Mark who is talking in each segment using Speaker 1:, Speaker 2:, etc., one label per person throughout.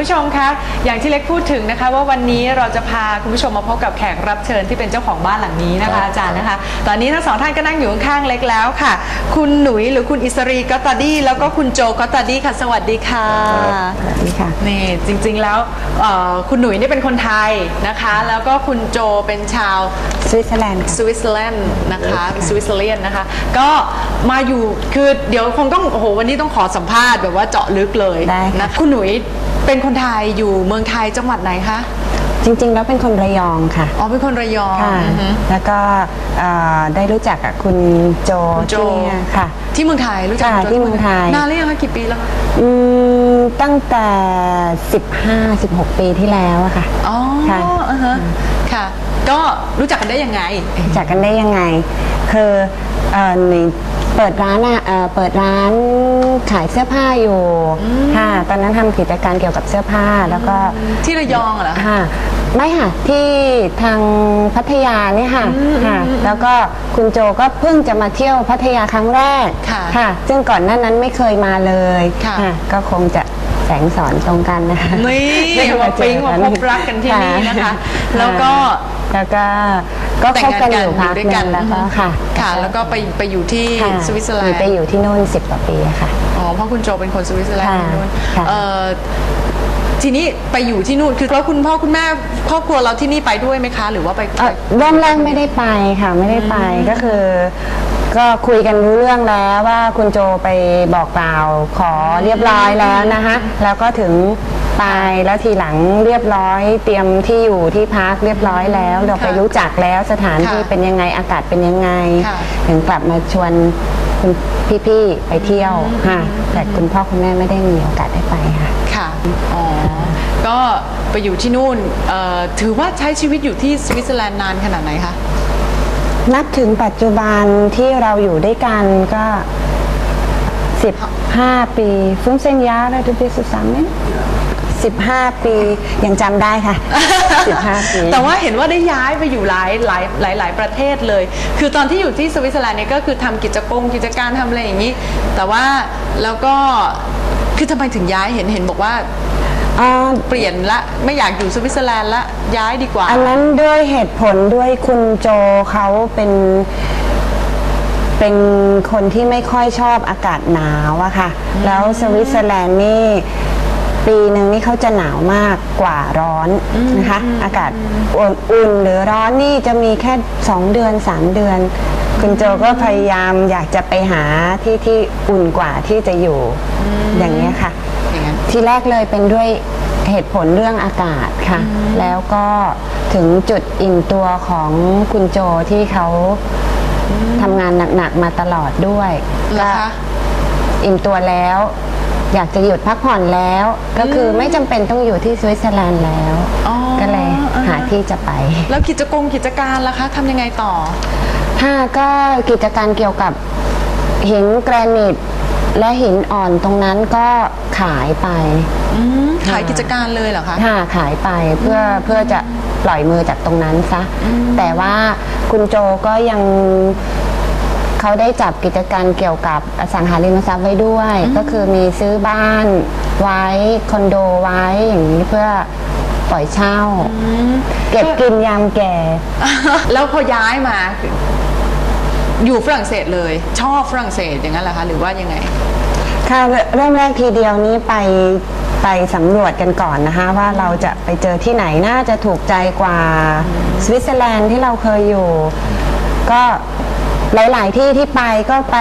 Speaker 1: ผู้ชมคะอย่างที่เล็กพูดถึงนะคะว่าวันนี้เราจะพาคุณผู้ชมมาพบกับแขกรับเชิญที่เป็นเจ้าของบ้านหลังนี้นะคะอาจารย์นะคะตอนนี้ทั้งสองท่านก็นั่งอยู่ข้างๆเล็กแล้วค่ะคุณหนุ่ยหรือคุณอิสรีก็ตาดี้แล้วก็คุณโจก็ตาดี้ค่ะสวัสดีค่ะ
Speaker 2: สวัสดีค่ะ
Speaker 1: นี่จริงๆแล้วคุณหนุ่ยนี่เป็นคนไทยนะคะแล้วก็คุณโจเป็นชาว
Speaker 2: สวิตเซอร์แลนด์
Speaker 1: นะคะสวิตเซอร์แลนด์นะคะก็มาอยู่คือเดี๋ยวคงต้องโอ้โหวันนี้ต้องขอสัมภาษณ์แบบว่าเจาะลึกเลยนะคุณหนุ่ยเป็นคนไทยอยู่เมืองไทยจังหวัดไหนคะ
Speaker 2: จริงๆแล้วเป็นคนระยองค่ะ
Speaker 1: อ๋อเป็นคนระยอง
Speaker 2: ค่ะแล้วก็ได้รู้จักกับคุณโจที่ค่ะ
Speaker 1: ที่เมืองไทยรู้จัก
Speaker 2: ที่เมืองไทย
Speaker 1: นานหรือยังคะกี่ปีแล้วคะ
Speaker 2: ตั้งแต่15-16 ปีที่แล้วอะค่ะ
Speaker 1: อ๋อค่ะก็รู้จักกันได้ยังไง
Speaker 2: รู้จักกันได้ยังไงคือเปิดร้านขายเสื้อผ้าอยู่ค่ะตอนนั้นทำกิจการเกี่ยวกับเสื้อผ้าแล้วก็
Speaker 1: ที่ระยองเหรอ
Speaker 2: ค่ะไม่ค่ะที่ทางพัทยานี่ค่ะแล้วก็คุณโจก็เพิ่งจะมาเที่ยวพัทยาครั้งแรกค่ะซึ่งก่อนหน้านั้นไม่เคยมาเลยก็คงจะแสงสอนตรงกันนะคะ
Speaker 1: นี่มาปิ๊งมาพบรักกันที่นี่นะคะแล้วก็
Speaker 2: คบกันอยู่พักนึงแล้วก็
Speaker 1: ค่ะแล้วก็ไปอยู่ที่สวิตเซอร์แลนด์
Speaker 2: ไปอยู่ที่นู่น10 กว่าปีค่ะ
Speaker 1: อ๋อเพราะคุณโจเป็นคนสวิตเซอร์แลนด์ที่นู่นทีนี้ไปอยู่ที่นู่นคือแล้วคุณพ่อคุณแม่ครอบครัวเราที่นี่ไปด้วยไหมคะหรือว่าไป
Speaker 2: เริ่มแรกไม่ได้ไปค่ะไม่ได้ไปก็คือก็คุยกันรู้เรื่องแล้วว่าคุณโจไปบอกกล่าวขอเรียบร้อยแล้วนะคะแล้วก็ถึงไปแล้วทีหลังเรียบร้อยเตรียมที่อยู่ที่พักเรียบร้อยแล้วเราไปรู้จักแล้วสถานที่เป็นยังไงอากาศเป็นยังไงถึงกลับมาชวนคุณพี่ๆไปเที่ยวค่ะแต่คุณพ่อคุณแม่ไม่ได้มีโอกาสได้ไปค่ะ
Speaker 1: ค่ะอ๋อก็ไปอยู่ที่นู่นถือว่าใช้ชีวิตอยู่ที่สวิตเซอร์แลนด์นานขนาดไหนคะ
Speaker 2: นับถึงปัจจุบันที่เราอยู่ด้วยกันก็15 ปีฟุ้งเส้นยาแล้วดูดิสุดซ้ำเนี่ย15 ปียังจำได้ค่ะ15 ปี
Speaker 1: แต่ว่าเห็นว่าได้ย้ายไปอยู่หลายประเทศเลยคือตอนที่อยู่ที่สวิตเซอร์แลนด์เนี่ยก็คือทำกิจการทำอะไรอย่างนี้แต่ว่าแล้วก็คือทำไมถึงย้ายเห็นบอกว่าเปลี่ยนละไม่อยากอยู่สวิตเซอร์แลนด์ละย้ายดีกว่า
Speaker 2: อันนั้นด้วยเหตุผลด้วยคุณโจเขาเป็นคนที่ไม่ค่อยชอบอากาศหนาวอะค่ะแล้วสวิตเซอร์แลนด์นี่ปีหนึ่งนี่เขาจะหนาวมากกว่าร้อนนะคะอากาศอุ่นหรือร้อนนี่จะมีแค่2 เดือน 3 เดือนคุณโจก็พยายามอยากจะไปหาที่อุ่นกว่าที่จะอยู่อย่างนี้ค่ะทีแรกเลยเป็นด้วยเหตุผลเรื่องอากาศค่ะแล้วก็ถึงจุดอิ่มตัวของคุณโจที่เขาทำงานหนักๆมาตลอดด้วยก็อิ่มตัวแล้วอยากจะหยุดพักผ่อนแล้วก็คือไม่จำเป็นต้องอยู่ที่สวิตเซอร์แลนด์แล้วก็เลยหาที่จะไป
Speaker 1: แล้วกิจการล่ะคะทำยังไงต่อ
Speaker 2: ก็กิจการเกี่ยวกับหินแกรนิตและหินอ่อนตรงนั้นก็ขายไป
Speaker 1: ขายกิจการเลยเหรอคะ
Speaker 2: ขายไปเพื่อจะปล่อยมือจากตรงนั้นซะแต่ว่าคุณโจก็ยังเขาได้จับกิจการเกี่ยวกับอสังหาริมทรัพย์ไว้ด้วยก็คือมีซื้อบ้านไว้คอนโดไว้อย่างนี้เพื่อปล่อยเช่าเก็บกินยามแก่
Speaker 1: แล้วพอย้ายมาอยู่ฝรั่งเศสเลยชอบฝรั่งเศสอย่างนั้นเหรอคะหรือว่ายังไง
Speaker 2: ค่ะเริ่มแรกทีเดียวนี้ไปสำรวจกันก่อนนะคะว่าเราจะไปเจอที่ไหนน่าจะถูกใจกว่าสวิตเซอร์แลนด์ที่เราเคยอยู่ก็หลายๆที่ที่ไปก็ไป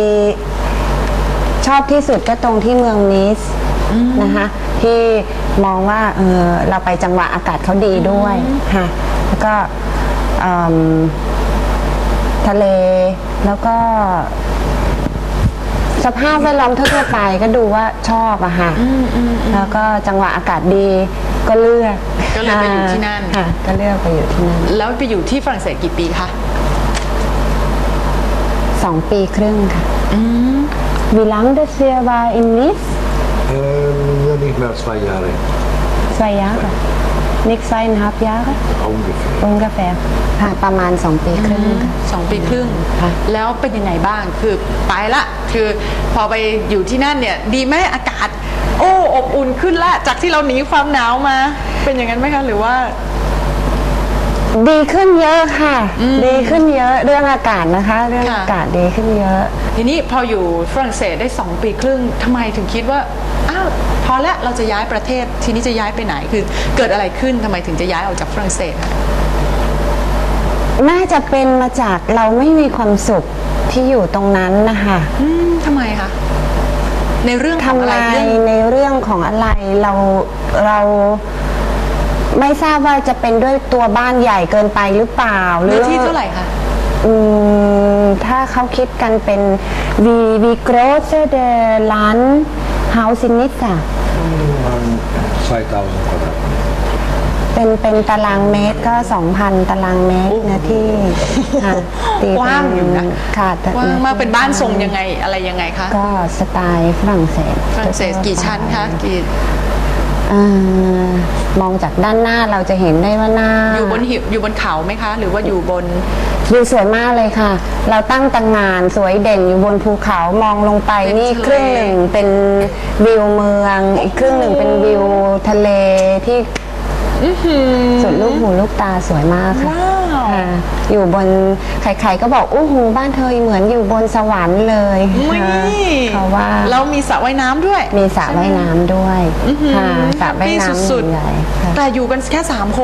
Speaker 2: ชอบที่สุดก็ตรงที่เมืองนิสนะคะที่มองว่าเราไปจังหวะอากาศเขาดีด้วยค่ะแล้วก็ทะเลแล้วก็สภาพแวดล้อมทั่วไปก็ดูว่าชอบอะค่ะแล้วก็จังหวะอากาศดีก็เลือก
Speaker 1: ก็เลยไปอยู่ที่นั่น
Speaker 2: ค่ะก็เลือกไปอยู่ที่นั่น
Speaker 1: แล้วไปอยู่ที่ฝรั่งเศสกี่ปีคะ
Speaker 2: 2 ปีครึ่งค่ะWie lange das hier war in Nice?
Speaker 3: Nicht mehr 2 Jahre.
Speaker 2: 2 Jahre. niks 2,5 jaar
Speaker 3: Ongeveer.
Speaker 2: ongeveer ค่ะประมาณ 2 ปีครึ่งค่ะ
Speaker 1: 2 ปีครึ่ง
Speaker 2: ค่ะ
Speaker 1: แล้วเป็นยังไงบ้างคือไปละคือพอไปอยู่ที่นั่นเนี่ยดีไหมอากาศ โอ้อบอุ่นขึ้นละจากที่เราหนีความหนาวมา เป็นอย่างนั้นไหมคะหรือว่า
Speaker 2: ดีขึ้นเยอะค่ะ ดีขึ้นเยอะเรื่องอากาศนะคะ เรื่อง
Speaker 1: ค่ะ
Speaker 2: อากาศดีขึ้นเยอะ
Speaker 1: ทีนี้พออยู่ฝรั่งเศสได้ 2 ปีครึ่งทำไมถึงคิดว่าอ้าวพอแล้วเราจะย้ายประเทศทีนี้จะย้ายไปไหนคือเกิดอะไรขึ้นทำไมถึงจะย้ายออกจากฝรั่งเศสคะ
Speaker 2: น่าจะเป็นมาจากเราไม่มีความสุขที่อยู่ตรงนั้นนะคะ
Speaker 1: ทำไมคะในเรื่องของ
Speaker 2: ทำ
Speaker 1: อะไร
Speaker 2: ไม
Speaker 1: เรื่อง
Speaker 2: ในเรื่องของอะไรเราไม่ทราบว่าจะเป็นด้วยตัวบ้านใหญ่เกินไปหรือเปล่าหรื
Speaker 1: เนื้อที่เท่าไหร่คะ
Speaker 2: ถ้าเขาคิดกันเป็นwie groß der Landhaus in Nizza
Speaker 3: 2.000 kvadratmeter.
Speaker 2: เป็นตารางเมตรก็ 2,000 ตารางเมตรเนื้อที่ค่ะตี
Speaker 1: กว้างอยู่นะ
Speaker 2: ค่ะแต่
Speaker 1: กว้างมากเป็นบ้านทรงยังไงอะไรยังไงคะ
Speaker 2: ก็สไตล์ฝรั่งเศส
Speaker 1: ฝรั่งเศสกี่ชั้นคะกี่
Speaker 2: มองจากด้านหน้าเราจะเห็นได้ว่าหน้า
Speaker 1: อยู่บนหิอยู่บนเขาไหมคะ หรือว่าอยู่บน
Speaker 2: วิวสวยมากเลยค่ะ เราตั้งตังงานสวยเด่นอยู่บนภูเขามองลงไป
Speaker 1: เป็น
Speaker 2: นี่
Speaker 1: ทะเล
Speaker 2: ครึ่งหนึ่งเป็นวิวเมือง อีกครึ่งหนึ่งเป็นวิวทะเลที่สุดลูกหูลูกตาสวยมากค่ะ
Speaker 1: ว้าว
Speaker 2: ค่ะอยู่บนใครๆก็บอกอู้หูบ้านเธอเหมือนอยู่บนสวรรค์เลย
Speaker 1: อุ๊ย
Speaker 2: ค่ะเขาว่า
Speaker 1: แล้วมีสระว่ายน้ำด้วย
Speaker 2: มีสระว่ายน้ำด้วยค่ะสระว่าย
Speaker 1: แฮปปี้
Speaker 2: น้ำ
Speaker 1: สุด
Speaker 2: ใหญ่ๆค่ะ
Speaker 1: ๆแต่อยู่กันแค่ 3 คน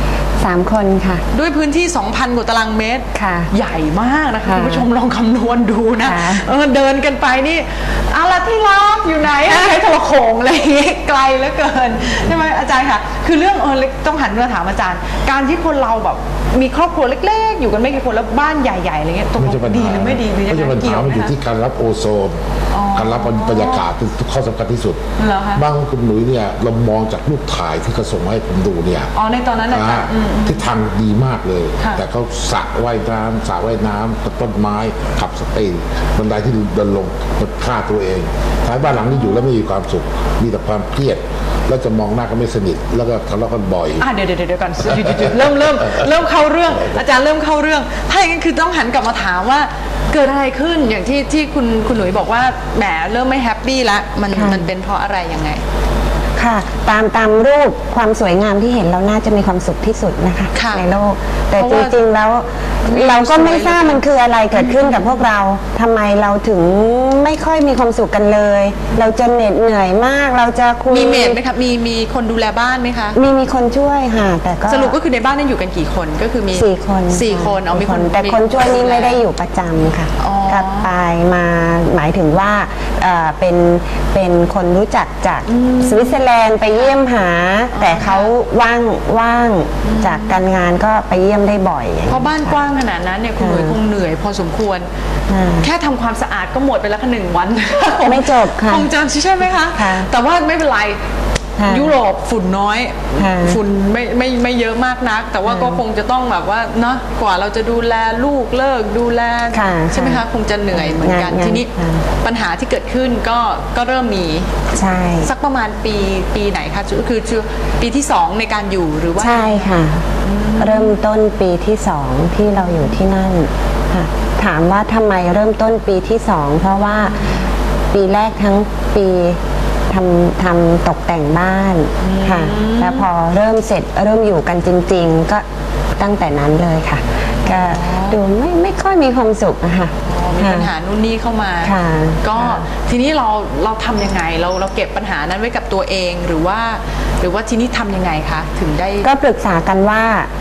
Speaker 2: 3 คนค่ะ
Speaker 1: ด้วยพื้นที่ 2,000 กว่าตารางเมตร
Speaker 2: ค่ะ
Speaker 1: ใหญ่มากนะคะ
Speaker 2: ค่ะ
Speaker 1: คุณผู้ชมลองคำนวณดูนะ
Speaker 2: ค่ะ
Speaker 1: เดินกันไปนี่อะไรที่รักอยู่ไหนใช้โทรโขงอะไรอย่างงี้ไกลเหลือเกินใช่ไหมอาจารย์ค่ะ คือเรื่องต้องหันมาถามอาจารย์ การที่คนเราแบบมีครอบครัวเล็กๆ อยู่กันไม่กี่คนแล้วบ้านใหญ่ๆอะไรเงี้ยตกล
Speaker 3: ไม่
Speaker 1: ง
Speaker 3: ใช่ปัญ
Speaker 1: ดี
Speaker 3: หา
Speaker 1: หรือไม่ดีหรือยัง
Speaker 3: ไม่
Speaker 1: ไง
Speaker 3: ใช่ปัญ
Speaker 1: เกี่
Speaker 3: หา
Speaker 1: ยวไหม
Speaker 3: มันอยู่
Speaker 1: คะ
Speaker 3: ที่การรับโอโซน การรับบรรยากาศเป็นข้อสำคัญที่สุด
Speaker 1: เหรอคะ
Speaker 3: บ้านของคุณหนุ่ยเนี่ยเรามองจากรูปถ่ายที่เขาส่งมาให้ผมดูเนี่ย
Speaker 1: อ๋อในตอนนั้นอาจารย์
Speaker 3: ทิศทางดีมากเลย
Speaker 1: ค่ะ
Speaker 3: แต่เขาสระว่ายน้ำสระว่ายน้ำต้นไม้ขับสตีบันไดที่เดินลงมันฆ่าตัวเองท้ายบ้านหลังนี้อยู่แล้วไม่มีความสุข มีแต่ความเครียด แล้วจะมองหน้าก็ไม่สนิท แล้วก็ทะเลาะกันบ่อย
Speaker 1: เดี๋ยวก่อนหยุดเริ่มเข้าเรื่อง อาจารย์เริ่มเข้าเรื่อง ถ้าอย่างนั้นคือต้องหันกลับมาถามว่าเกิดอะไรขึ้นอย่างที่คุณหนุ่ยบอกว่าแหมเริ่มไม่แฮปปี้ละมันเป็นเพราะอะไรยังไง
Speaker 2: ค่ะตามรูปความสวยงามที่เห็นเราน่าจะมีความสุขที่สุดนะคะ
Speaker 1: ค่ะ
Speaker 2: ในโลก แต่
Speaker 1: เพราะ
Speaker 2: จ
Speaker 1: ว่า
Speaker 2: ริงๆแล้วเราก็ไม่ทราบมันคืออะไรเกิดขึ้นกับพวกเราทำไมเราถึงไม่ค่อยมีความสุขกันเลย เราจะเหน็ดเหนื่อยมาก เราจะคุย
Speaker 1: มีเมดไหมคะมีคนดูแลบ้านไหมคะ
Speaker 2: มีคนช่วยค่ะแต่ก็
Speaker 1: สรุปก็คือในบ้านนั้นอยู่กันกี่คนก็คือมี
Speaker 2: 4 คน
Speaker 1: สี่คนเอามีคน
Speaker 2: แต่คนช่วยนี่ไม่ได้อยู่ประจำค่ะ
Speaker 1: อ๋อ
Speaker 2: ก็ไปมาหมายถึงว่าเป็นคนรู้จักจากสวิตเซอร์แลนด์ไปเยี่ยมหา แต่เขาว่างจากการงานก็ไปเยี่ยมได้บ่อย
Speaker 1: เพราะบ้านกว้างขนาดนั้นเนี่ยคุณหนุ่ยคงเหนื่อยพอสมควร แค่ทำความสะอาดก็หมดไปแล้วแค่1 วัน
Speaker 2: ไม่จบค่ะ
Speaker 1: คงจะใช่ไหมคะ
Speaker 2: ค่ะ
Speaker 1: แต่ว่าไม่เป็นไร
Speaker 2: ค่ะ
Speaker 1: ยุโรปฝุ่นน้อย
Speaker 2: ค่ะ
Speaker 1: ฝุ่นไม่เยอะมากนัก แต่ว่าก็คงจะต้องแบบว่าเนาะกว่าเราจะดูแลลูกเลิกดูแล
Speaker 2: ค่ะ
Speaker 1: ใช่ไหมคะคงจะเหนื่อยเหมือนกัน
Speaker 2: งาน
Speaker 1: ทีนี้
Speaker 2: ค่ะ
Speaker 1: ปัญหาที่เกิดขึ้นก็เริ่มมี
Speaker 2: ใช่
Speaker 1: สักประมาณปีไหนคะคือปีที่ 2 ในการอยู่หรือว่า
Speaker 2: ใช่ค่ะ เริ่มต้นปีที่2ที่เราอยู่ที่นั่นค่ะถามว่าทำไมเริ่มต้นปีที่2เพราะว่าปีแรกทั้งปีทำตกแต่งบ้านค่ะแล้วพอเริ่มเสร็จเริ่มอยู่กันจริง ๆ ก็ตั้งแต่นั้นเลยค่ะ ก็ดูไม่ค่อยมีความสุขอะค่ะ
Speaker 1: มีปัญหานู่นนี่เข้ามา
Speaker 2: ค่ะ
Speaker 1: ก็
Speaker 2: ค่ะ
Speaker 1: ทีนี้เราทำยังไงเราเก็บปัญหานั้นไว้กับตัวเองหรือว่าทีนี้ทำยังไงคะถึงได้
Speaker 2: ก็ปรึกษากันว่า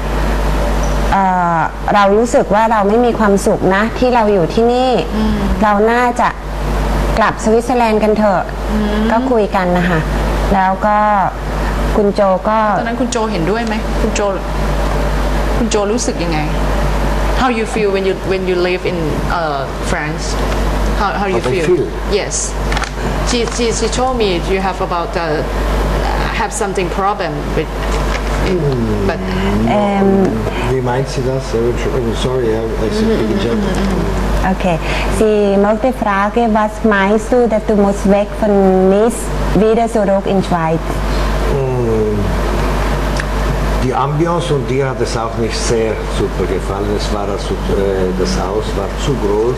Speaker 2: เรารู้สึกว่าเราไม่มีความสุขนะ ที่เราอยู่ที่นี่ เราน่าจะกลับสวิตเซอร์แลนด์กันเถอะก็คุยกันนะคะแล้วก็คุณโจก็
Speaker 1: ตอนนั้นคุณโจเห็นด้วยไหมคุณโจรู้สึกยังไง How you feel when you live in France How you
Speaker 3: How I
Speaker 1: feel
Speaker 3: feel?
Speaker 1: Yes she told me you have about have something problem with but
Speaker 3: Wie meint sie das? Sorry, I speak in German.
Speaker 2: Okay, sie möchte fragen, was meinst du, dass du musst weg von Nice wieder zurück in Schweiz?
Speaker 4: Die Ambiance und dir hat es auch nicht sehr super gefallen. Es war also, das Haus war zu groß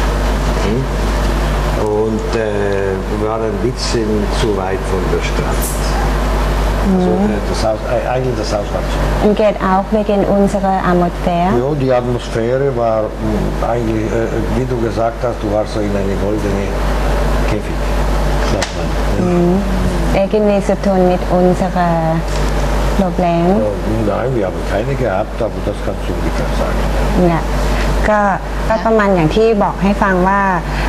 Speaker 4: und wir waren ein bisschen zu weit von der Stadt. Also, das Haus, eigentlich das Haus war zu.
Speaker 2: Und geht auch wegen unserer Atmosphäre.
Speaker 4: Ja, die Atmosphäre war eigentlich, wie du gesagt hast, du warst so in eine goldene Käfig, sagt man. Ja.
Speaker 2: Irgendwie zu tun mit unserer Problem.
Speaker 4: Nein, wir haben keine gehabt, aber das kannst du ungefähr sagen.
Speaker 2: เนี่ยก็ประมาณอย่างที่บอกให้ฟังว่า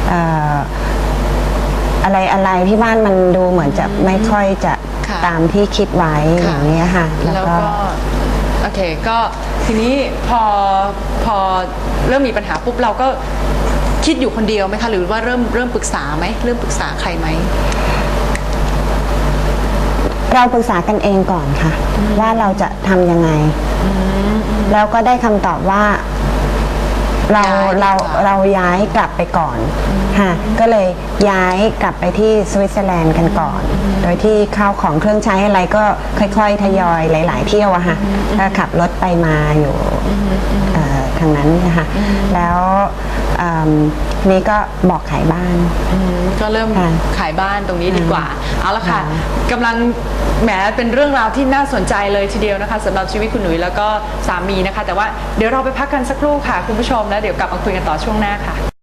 Speaker 2: อะไรที่บ้านมันดูเหมือนจะไม่ค่อยจะ
Speaker 1: ค่ะ
Speaker 2: ตามที่คิดไว้อย่างนี้ยค่ะ
Speaker 1: แล้วก็โอเคก็ทีนี้พอเริ่มมีปัญหาปุ๊บเราก็คิดอยู่คนเดียวไหมคะหรือว่าเริ่มปรึกษาไหมเริ่มปรึกษาใครไหม
Speaker 2: เราปรึกษากันเองก่อนค่ะ ว่าเราจะทำยังไง แล้วก็ได้คำตอบว่าเราย้ายกลับไปก่อนค่ะก็เลยย้ายกลับไปที่สวิตเซอร์แลนด์กันก่อน โดยที่ข้าวของเครื่องใช้อะไรก็ค่อยๆทยอยหลาย ๆ เที่ยวอะค่ะก็ขับรถไปมาอยู่ทางนั้นนะคะแล้วนี่ก็บอกขายบ้าน
Speaker 1: ก็เริ่ม
Speaker 2: ค่ะ
Speaker 1: ขายบ้านตรงนี้ดีกว่า เอาละค่ะ
Speaker 2: ค่ะ
Speaker 1: กำลังแหมเป็นเรื่องราวที่น่าสนใจเลยทีเดียวนะคะสำหรับชีวิตคุณหนุ่ยแล้วก็สามีนะคะ แต่ว่าเดี๋ยวเราไปพักกันสักครู่ค่ะคุณผู้ชมแล้วเดี๋ยวกลับมาคุยกันต่อช่วงหน้าค่ะ